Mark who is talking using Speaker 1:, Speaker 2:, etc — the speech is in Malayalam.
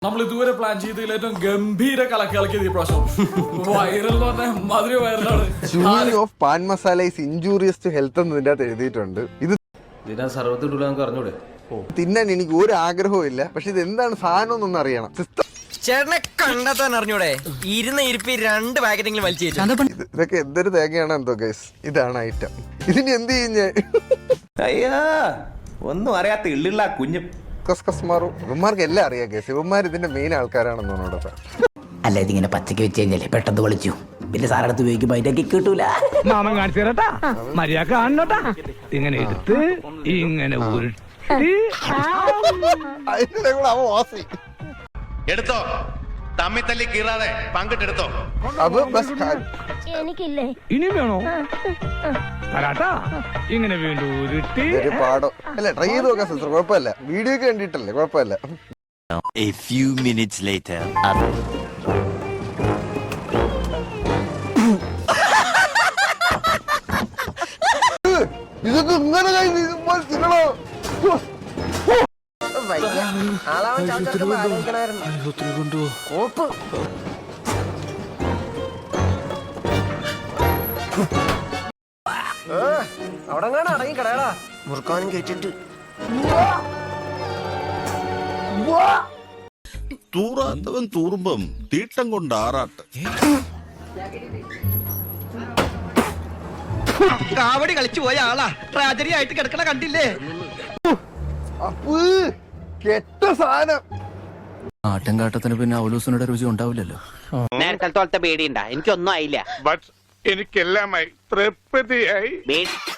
Speaker 1: നമ്മൾ ഇതുവരെ പ്ലാൻ ചെയ്തതിൽ ഏറ്റവും ഗംഭീര കലക്കിയത് ഈ പ്രാവശ്യം. വൈറൽ എന്ന് പറഞ്ഞാൽ മധുര വൈറലാണ്.
Speaker 2: Chewing of pan masala is injurious to health എന്ന് ഇതിന്റെ അകത്ത് എഴുതിയിട്ടുണ്ട്. ഇത്
Speaker 3: അറിഞ്ഞൂടെ?
Speaker 2: തിന്നാൻ എനിക്ക് ഒരു ആഗ്രഹവും ഇല്ല. പക്ഷെ ഇത് എന്താണ് സാധനം എന്നൊന്നും അറിയണം.
Speaker 4: ചേട്ടനെ കണ്ടെത്താൻ അറിഞ്ഞൂടെ? ഇരുന്ന ഇരിപ്പി 2 പാക്കറ്റെങ്കിലും വലിച്ചു.
Speaker 2: ഇതൊക്കെ എന്തൊരു തേങ്ങയാണ് എന്തോ ഗൈസ്. ഇതാണ് ഐറ്റം. ഇതിന് എന്ത് ചെയ്യും?
Speaker 3: അയ്യാ ഒന്നും അറിയാത്ത ഇള്ളിള്ള കുഞ്ഞു
Speaker 2: കസ്കസ്മാറും ഇവന്മാർക്ക് എല്ലാം അറിയാം ഗൈസ്. ഇവന്മാർ ഇതിന്റെ മെയിൻ ആൾക്കാരാണെന്ന് തോന്നുന്നു.
Speaker 5: അല്ല ഇതിങ്ങനെ പച്ചക്ക് വെച്ച് കഴിഞ്ഞാലേ പെട്ടെന്ന് വിളിച്ചു പിന്നെ സാറടുത്ത് ഉപയോഗിക്കുമ്പോ അതിന്റെ കിട്ടൂല.
Speaker 6: മാമൻ കാണിച്ചു തരട്ടാ, മര്യാദ കാണണോട്ടാ. ഇങ്ങനെ എടുത്ത് ഇങ്ങനെ
Speaker 7: എടുത്തോ, തമ്മി തല്ലി കീറാതെ പങ്കിട്ടെടുത്തോ.
Speaker 8: എനിക്കില്ലേ
Speaker 6: ഇനിയും വേണോ തരാട്ടാ. ഇങ്ങനെ വീണ്ടും ഉരുട്ടി
Speaker 2: പാടോ അല്ല ട്രൈ ചെയ്ത് നോക്കാം സിസ്റ്റർ. കുഴപ്പമില്ല, വീഡിയോ ഒക്കെ കണ്ടിട്ടല്ലേ, കുഴപ്പമില്ല.
Speaker 7: A few minutes later.
Speaker 2: ഇതൊക്കെ ഇങ്ങനെ തിന്നണോ?
Speaker 4: അവിടെ അടങ്ങി കടയടാ മുറുക്കാനും കേട്ടിട്ട്.
Speaker 7: തൂറാത്തവൻ തൂറുമ്പം തീട്ടം കൊണ്ട് ആറാട്ട്.
Speaker 4: കാവടി കളിച്ചു പോയ ആളാ ട്രാജഡി ആയിട്ട് കിടക്കണ കണ്ടില്ലേ?
Speaker 2: അപ്പ് കെട്ട സാധനം.
Speaker 9: ആട്ടം കാട്ടത്തിന് പിന്നെ അവലൂസിനുടെ രുചി ഉണ്ടാവില്ലല്ലോ.
Speaker 5: നേരത്തെ പേടിയുണ്ടാ? എനിക്കൊന്നും ആയില്ല.
Speaker 6: എനിക്കെല്ലാമായി തൃപ്തിയായി.